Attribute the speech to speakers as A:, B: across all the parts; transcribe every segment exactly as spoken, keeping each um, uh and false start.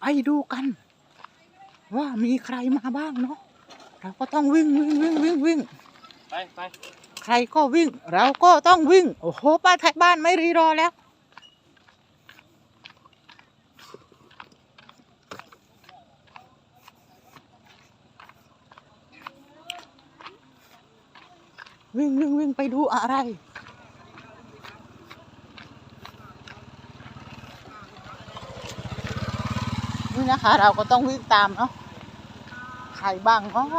A: ไปดูกันว่ามีใครมาบ้างเนาะเราก็ต้องวิ่งวิ่งวิ่งวิ่งวิ่ง
B: ไปไป
A: ใครก็วิ่งเราก็ต้องวิ่งโอ้โหป้าไทยบ้านไม่รีรอแล้ววิ่งวิ่งวิ่งไปดูอะไรนี่นะคะเราก็ต้องวิ่งตามเนาะใครบ้างอ๋อ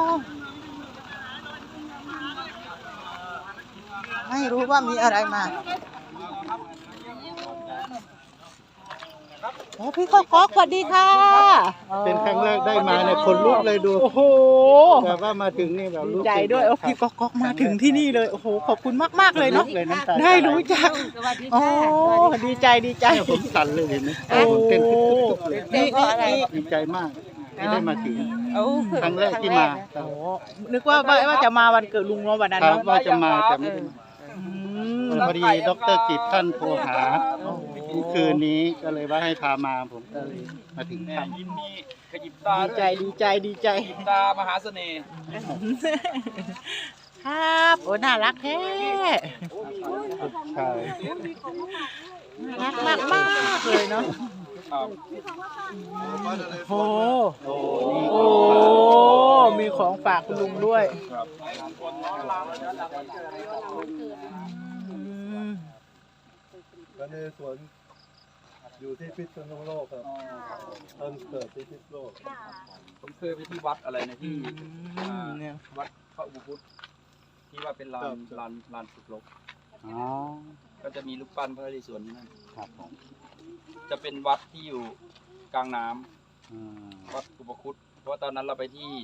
A: ไม่รู้ว่ามีอะไรมาโอ้พี่ก๊อกก๊อกสวัสดีค่ะ
C: เป็นครั้งแรกได้มาเนี่ยคนลุกเลยดู
A: โอ้โห
C: แบบว่ามาถึงนี่แบบ
A: ดีใจด้วยโอ้พี่ก๊อกก๊อกมาถึงที่นี่เลยโอ้โหขอบคุณมากมากเลยเนาะได้รู้จักโอ้ดีใจดีใจ
C: ผมสั่นเลยเห็นไหมผมเต้นตุ๊บๆเลยดีใจมากที่ได้มาถึงครั้งแรกที่มา
A: โอ้นึกว่าว่าจะมาวันเกิดลุงเนาะวันนั้นเนาะ
C: ว่าจะมาแต่ไม่ได้มาพอดีดร.กิตท่านโทรหาคืนนี้ก็เลยว่าให้พามาผมก็เลยมาถึงทำ
B: ยิ้มมีขยิบตา
A: ดีใจดีใจดีใจ
B: ตามหาเสน่ห์
A: ครับโอ้น่ารักแท้
C: ใช่
A: รักมากมากเลยเนาะโอ้โหมีของฝากคุณลุงด้วย
D: ก็ในสวนอยู่ที่พิษณุโลกครับต้นเกิดที่พิษณุโลก
B: ผมเคยไปที่วัดอะไรนะที่วัดพระอุปคุตที่ว่าเป็นลานลานลานฝึกรบก็จะมีรูปปั้นพระนเรศวรนั่นครับผมจะเป็นวัดที่อยู่กลางน้ำวัดอุปคุตเพราะว่าตอนนั้นเราไปที่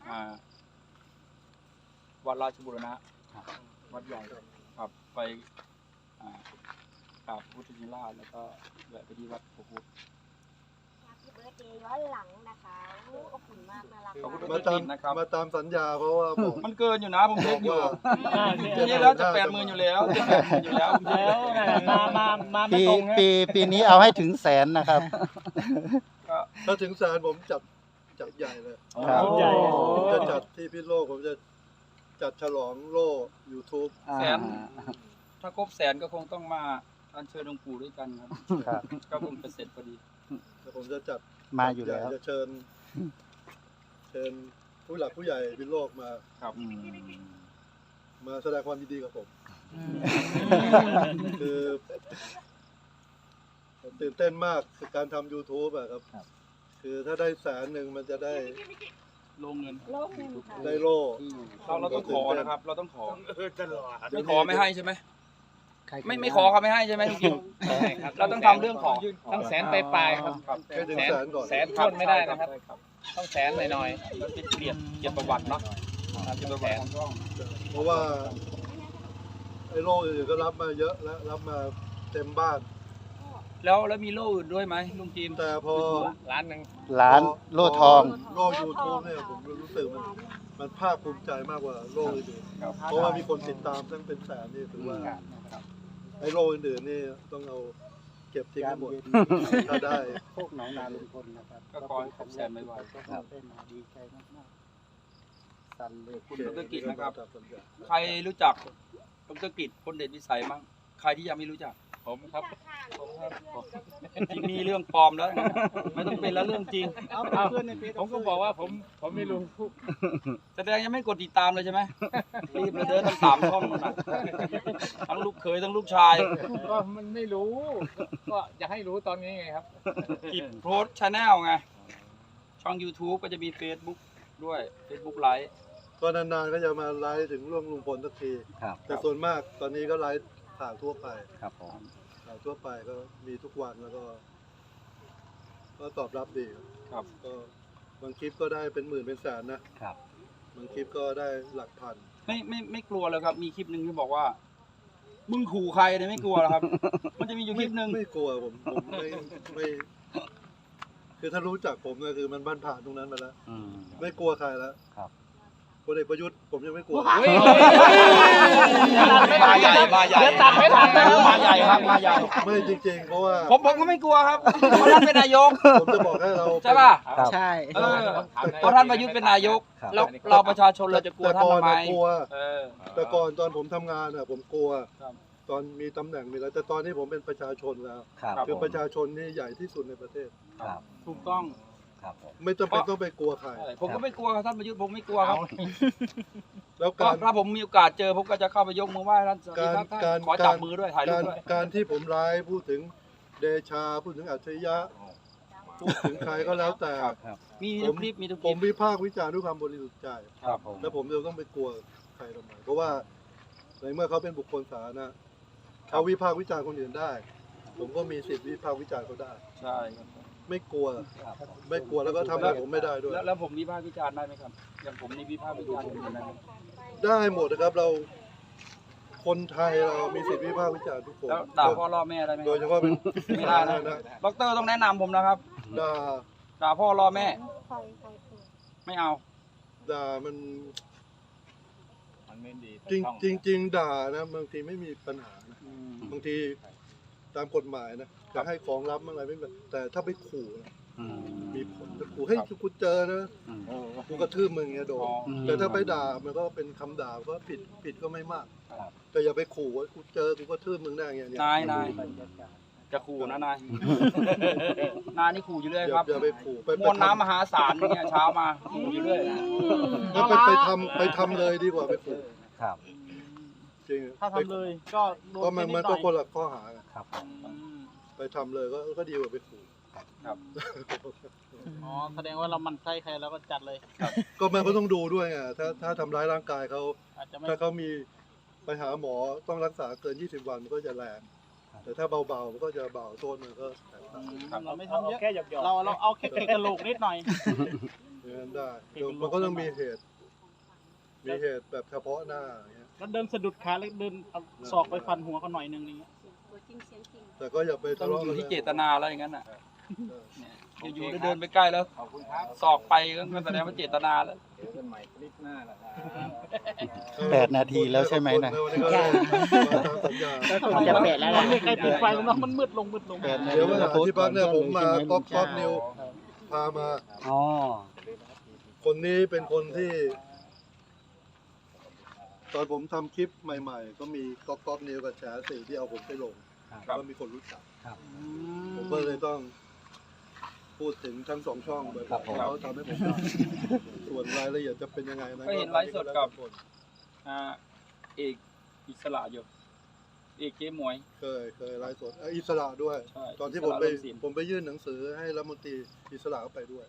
B: วัดราชบุรณะวัดใหญ่ครับไปกราบพุทธชินราชแล้วก็แวะไปที่วัดอุปคุต
E: เบิร์ดเดย์ย้อนหลังนะคะขอบคุณมากน่ารัก
D: มาตามมาตามสัญญาเพราะว่าผม
B: มันเกินอยู่นะผมเล็กอยู่ทีนี้แล้วจะแปดหมื่นอยู่แล้วจะแปดหมื่นอยู่แล้วแล้ว
C: มามามาปีปีปีนี้เอาให้ถึงแสนนะครับ
D: ถ้าถึงแสนผมจัดจัดใหญ่เลยผมจะจัดที่พิษณุโลกผมจะจัดฉลองโล่ YouTube
B: แสนถ้าครบแสนก็คงต้องมาอัญเชิญหลวงปู่ด้วยกันครับก็คงเป็นเสร็จพอดี
D: แล้วผมจะจัด
C: มาอยู่แล้ว
D: จะเชิญเชิญผู้หลักผู้ใหญ่พิษณุโลกมา
B: ครับ
D: มาแสดงความยินดีกับผมคือตื่นเต้นมากกับการทำ YouTube อะครับคือถ้าได้แสนหนึ่งมันจะได้
B: ลงเงิน
D: ได้โล่
B: เราเราต้องขอนะครับเราต้องขอไม่ขอไม่ให้ใช่ไหมไม่ไม่ขอเขาไม่ให้ใช่ไหมจริงๆเราต้องทำเรื่องของ
F: ต้องแสนไปปลายครับ
D: แสนก่อน
F: แสนทวนไม่ได้นะครับต้องแสนหน่อย
B: ๆเป็นเกียรติเกียรติประวัติเนาะเกียรติประวัติ
D: เพราะว่าไอ้โล่อื่นก็รับมาเยอะแล้วรับมาเต็มบ้าน
B: แล้วแล้วมีโล่อื่นด้วยไหมลุงจีม
D: แต่พอ
F: ล้านหนึ่ง
C: ล้านโล่ทอง
D: โล่ยูทูบเนี่ยผมรู้สึกมันมันภาคภูมิใจมากกว่าโล่อื่นเพราะว่ามีคนติดตามตั้งเป็นแสนนี่ถือว่าไอ้โล่อื่นๆนี่ต้องเอาเก็บทิ้งให้หมดถ้าได้
C: พวกหนองนาลุงพลนะครับ
B: ก็ขอให้ครบแสนไวๆ
C: ครับดีใจมากๆสั่นเลย
B: คุณดร.กิตนะครับใครรู้จักดร.กิตคนเด่นวิสัยมั้งใครที่ยังไม่รู้จักผมครับผมครับที่มีเรื่องปลอมแล้วไม่ต้องเป็นแล้วเรื่องจริง
F: ผมก็บอกว่าผมผมไม่รู้
B: แสดงยังไม่กดติดตามเลยใช่ไหมรีบเลยเดินตั้งสามช่องนะทั้งลูกเขยทั้งลูกชาย
F: ก็มันไม่รู้ก็อยากให้รู้ตอนนี้ไงครับ
B: กิจโพสชาแนลไงช่อง YouTube ก็จะมี Facebook ด้วย Facebook ไลฟ์
D: ก็นานๆก็จะมาไลฟ์ถึงเรื่องลุงพลสักทีแต่ส่วนมากตอนนี้ก็ไลฟ์ข่าวทั่วไป
C: ครับผม
D: ข่าวทั่วไปก็มีทุกวันแล้วก็ก็ตอบรับดี
B: ครับ
D: ก็บางคลิปก็ได้เป็นหมื่นเป็นแสนนะครับบางคลิปก็ได้หลักพัน
B: ไม่ไม่ไม่กลัวเลยครับมีคลิปหนึ่งที่บอกว่ามึงขู่ใครเนี่ยไม่กลัวหรอครับมันจะมีอยู่คลิปหนึ่ง
D: ไม่กลัวผมผมไม่ไม่คือถ้ารู้จักผมก็คือมันบ้านผ่านตรงนั้นมาแล้วไม่กลัวใครแล้ว
C: ครับ
D: พลเอกประยุทธ์ผมยังไม่กลัว
B: เฮ้ยมาใหญ่มาใหญ่
F: เดี๋ยวตัดไม่ทันแล้ว
B: มาใหญ่ครับมาใหญ่
D: ไม่จริงๆ เพราะว่า
B: ผมผมก็ไม่กลัวครับเพราะท่านเป็นนายก
D: ผมจะบอกให้เรา
B: ใช่ป่ะ
A: ใช่
B: เออเพราะท่านประยุทธ์เป็นนายกแล้วเราประชาชนเราจะกลัว
D: แต่
B: ท่าน
D: ก่อน
B: ทำไม
D: น่ะกลัว
B: เออ
D: แต่ก่อนตอนผมทำงานอ่ะผมกลัว
B: ครับ
D: ตอนมีตำแหน่งมีแล้วแต่ตอนนี้ผมเป็นประชาชนแล้ว
C: ครับ
D: คือประชาชนนี่ใหญ่ที่สุดในประเทศ
C: ครับ
B: ถูกต้อง
C: ครับผม
D: ไม่จำเป็นต้องไปกลัวใคร
B: ใช่ผมก็ไม่กลัวครับท่านประยุทธ์ผมไม่กลัวครับ
D: แล้ว
B: ก็
D: การ
B: ถ้าผมมีโอกาสเจอผมก็จะเข้าไปยกมือไหว้ท่านสวัสดีครับท่าน
D: การ
B: ขอจับมือด้วยถ่ายรู
D: กา
B: ป
D: ร
B: ด้วย
D: การที่ผมร้ายพูดถึงเดชาพูดถึงอัจฉริยะพูดถึงใครก็แล้วแต่
B: มีทุกคลิปมีทุกค
D: ผ
B: ลิ
D: ม
B: ป
D: วิพากษ์วิจารณ์ด้วยความบริสุทธิ์ใจ
C: ครับผม
D: แล้วผมจะต้องไปกลัวใครทำไมเพราะว่าในเมื่อเขาเป็นบุคคลสาธารณะเขาวิพากษ์วิจารณ์คนอื่นได้ ผมก็มีสิทธิ์วิพากษ์วิจารณ์เขาได้
B: ใช่ครับ
D: ไม่กลัว
C: ครับผม
D: ไม่กลัวแล้วก็ทำอะไรผมไม่ได้ด้วย
B: แล้วแล้วผมวิพากษ์วิจารณ์ได้ไหมครับอย่างผมนี่วิพากษ์วิจารณ์คนอื่นได้ไหม
D: ได้หมดนะครับเราคนไทยเรามีสิทธิ์วิพากษ์วิจารณ์ทุกคน
B: แล้วด่าพ่อล่อแม่ได้ไหม
D: โดยเฉพาะเป็น
B: ไม่ได้นะด็อกเตอร์ต้องแนะนำผมนะครับ
D: ด่า
B: ด่าพ่อล่อแม่
E: คอยคอยคอย
B: ไม่เอา
D: ด่ามัน
F: มันไม่ดี
D: จริงจริงจริงด่านะบางทีไม่มีปัญหานะ
B: อืม
D: บางทีตามกฎหมายนะจะให้ของรับอะไรไม่เป็นแต่ถ้าไปขู่นะ
C: อืม
D: มีผลจะขู่ให้ยกูเจอนะ
C: อืม
D: กูกระทืบมึงเงี้ยโดน
B: อ๋อ
D: แต่ถ้าไปด่ามันก็เป็นคำด่าก็ผิดผิดก็ไม่มาก
C: ครับ
D: แต่อย่าไปขู่ว่ากูเจอกูกระทืบมึงได้เงี้ยเนี่ย
B: นายนายจะขู่นะนาย นายนี่ขู่อยู่เรื่อย
D: อย่า
B: ครับ
D: อย่าไปขู่ไป
B: มวลน้ำมหาศาลเนี่ยเช้ามาขู่อยู่เรื่อย
D: ถ้าไปไปทำไปทำเลยดีกว่าไปขู่
C: ครับ
D: จริง
A: ถ้าทำเลยก็โดน
D: เพราะมัน
A: นิ
D: มั
A: ด
D: น
A: ห
D: ก็
A: น่อย
D: คนละข้อหา
C: ครับผม
B: อืม
D: ไปทำเลยก็ก็ดีกว่าไปขู่
B: ครับ
A: อ๋อแสดงว่าเรามันไส้ใครแล้วก็จัดเลย
D: ก็มันก็ต้องดูด้วยไงถ้าถ้าทำร้ายร่างกายเขา
A: อาจจะไม่
D: ถ้าเขามีไปหาหมอต้องรักษาเกินยี่สิบวันมันก็จะแรงแต่ถ้าเบาๆมันก็จะเบาโทษมันก็แตกต่าง
A: เราไม่ทำเยอะ
F: แค่หยอก
A: เราเราเอาแค่กระโหลกนิดหน่อย
D: อย่างนั้นได้เดี๋ยวมันก็ต้องมีเหตุ มีเหตุแบบเฉพาะหน้าอย่างเงี้ย
A: แล้วเดินสะดุดขาแล้วเดินเอาศอกไปฟันหัวเขาหน่อยนึงนี่
E: ตัวจริงเสียงจริง
D: แต่ก็อย่าไป
B: ต้อ
D: ทะ
B: ง
D: เลาะ
B: อยู่
D: กัน
B: ที่เจ
D: นะ
B: ตนาแล้วอย่างนั้นอ่ะ
D: เออ
B: เนี่ยอยู่ๆเดินไปใกล้แล้ว
F: ขอบคุณครับ
B: สอกไปก็แสดงว่าเจตนาแล้ว
F: เจอกันใหม่คลิปหน้าแหละครับ
C: แปดนาทีแล้วใช่ไหมนะ
D: วันนี้ก็เลยมาตามสัญญา
A: คงจะแปดแล้วนะไม่ใกล้ปิดไฟแล้วเนาะมันมืดลงมืดลง
C: แปดนาที
D: เดี๋ยวมาหาที่พักเนี่ยผมมาก๊อปก๊อปนิวพามา
C: อ๋อ
D: คนนี้เป็นคนที่ ตอนผมทำคลิปใหม่ๆ ก็มีก๊อปก๊อปนิวกับแฉสี่ที่เอาผมไปลง
B: ครับ
D: ก็มีคนรู้จัก
C: ครับ
D: ผมก็เลยต้องพูดถึงทั้งสองช่องบ่อย
C: ครับ
D: ๆ
C: ผม
D: เขาทำให้ผมได้ส่วนรายละเอียดจะเป็นยังไงนะ
B: ก็เห็นไลฟ์สดกับ อ่าเอกอิสระอยู่เอกเจ๊หมวย
D: เคยเคยไลฟ์สดเอ้ยอิสระด้วย
B: ใช่
D: ตอนที่ผมไป
B: อิสระเริ่มสิน
D: ผมไปยื่นหนังสือให้รัฐมนตรีอิสระก็ไปด้วย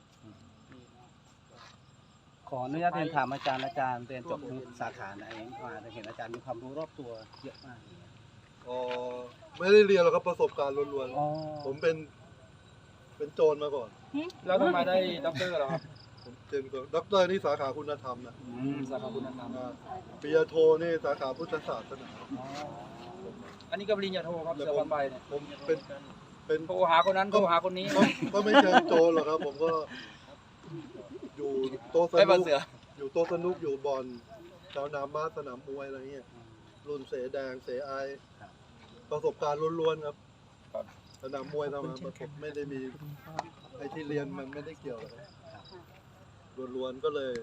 C: ขออนุญาตเรียนถามอาจารย์อาจารย์เรียนจบสาขาไหนมาเห็นอาจารย์มีความรู้รอบตัวเยอะมากเลย
D: อ๋อไม่ได้เรียนหรอกครับประสบการณ์ล้วน
C: อ๋อ
D: ๆผมเป็น เป็นโจรมาก่อน
B: แล้วทำไมได้ด็อกเตอร์เหรอครับ
D: ผมเป็นด็อกเตอร์นี่สาขาคุณธรรมนะ
B: อืมสาขาคุณธรรม
D: อ่าปริญญาโทนี่สาขาพุทธศาสนา
B: อันนี้ก็ปริญญาโทครับเสือพันใบเนี่ย
D: ผมเป็นเป็น
B: โทรหาคนนั้นโทรหาคนนี้
D: ก็ก็ไม่เชิงโจรหรอกครับ ผมก็อยู่โต๊ะส
B: ไม่
D: นุ
B: มาก เสือ
D: อยู่โต๊ะสนุกอยู่บอลสนามบาสสนามมวยอะไรเงี้ยรุ่นเสแดงเสไอประสบการณ์ล้วนๆครับ
B: ครับ
D: สนามมวยทำมาประสบไม่ได้มีไอ้ที่เรียนมันไม่ได้เกี่ยวเลยล้วนๆก็เลย